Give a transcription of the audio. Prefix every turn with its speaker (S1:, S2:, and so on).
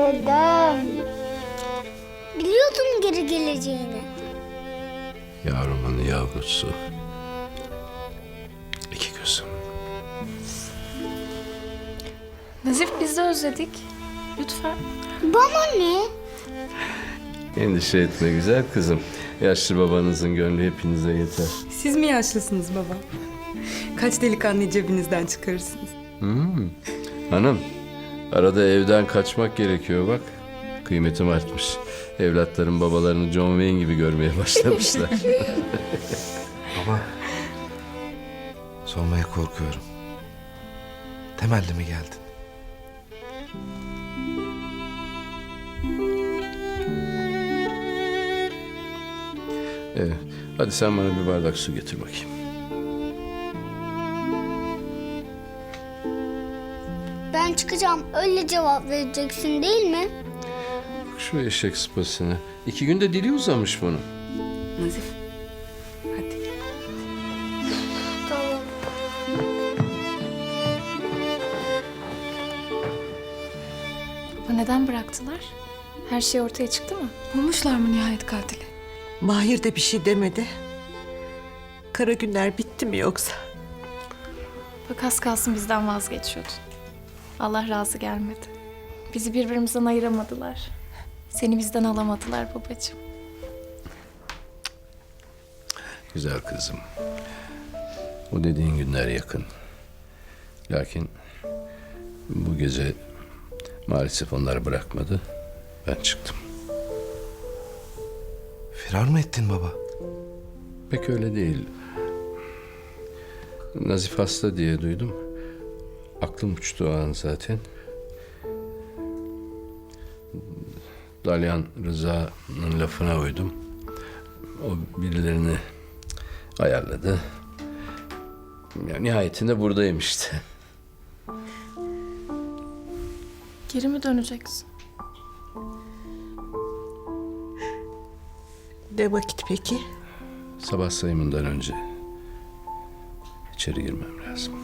S1: Neden? Biliyordum geri geleceğini.
S2: Yavrumun yavrusu. İki gözüm.
S3: Nazif, biz de özledik. Lütfen.
S1: Bana ne?
S2: Endişe etme güzel kızım. Yaşlı babanızın gönlü hepinize yeter.
S4: Siz mi yaşlısınız baba? Kaç delikanlıyı cebinizden çıkarırsınız?
S2: Hanım, arada evden kaçmak gerekiyor bak. Kıymetim artmış. Evlatların babalarını John Wayne gibi görmeye başlamışlar.
S5: Baba, sormaya korkuyorum. Temelli mi geldin?
S2: Evet, hadi sen bana bir bardak su getir bakayım.
S1: Ben çıkacağım öyle cevap vereceksin değil mi?
S2: Bak şu eşek sıpasını. 2 günde dili uzamış bunun.
S4: Nazif, hadi.
S1: Tamam.
S3: Baba, neden bıraktılar? Her şey ortaya çıktı mı?
S4: Bulmuşlar mı nihayet katili?
S6: Mahir de bir şey demedi. Kara günler bitti mi yoksa?
S3: Bak, az kalsın bizden vazgeçiyordun. Allah razı gelmedi. Bizi birbirimizden ayıramadılar. Seni bizden alamadılar babacığım.
S2: Güzel kızım. O dediğin günler yakın. Lakin bu gece maalesef onlar bırakmadı. Ben çıktım.
S5: Firar mı ettin baba?
S2: Pek öyle değil. Nazif hasta diye duydum. Aklım uçtu o an zaten. Dalyan Rıza'nın lafına uydum. O birilerini ayarladı. Ya, nihayetinde buradayım işte.
S3: Geri mi döneceksin?
S6: Ne vakit peki?
S2: Sabah sayımından önce içeri girmem lazım.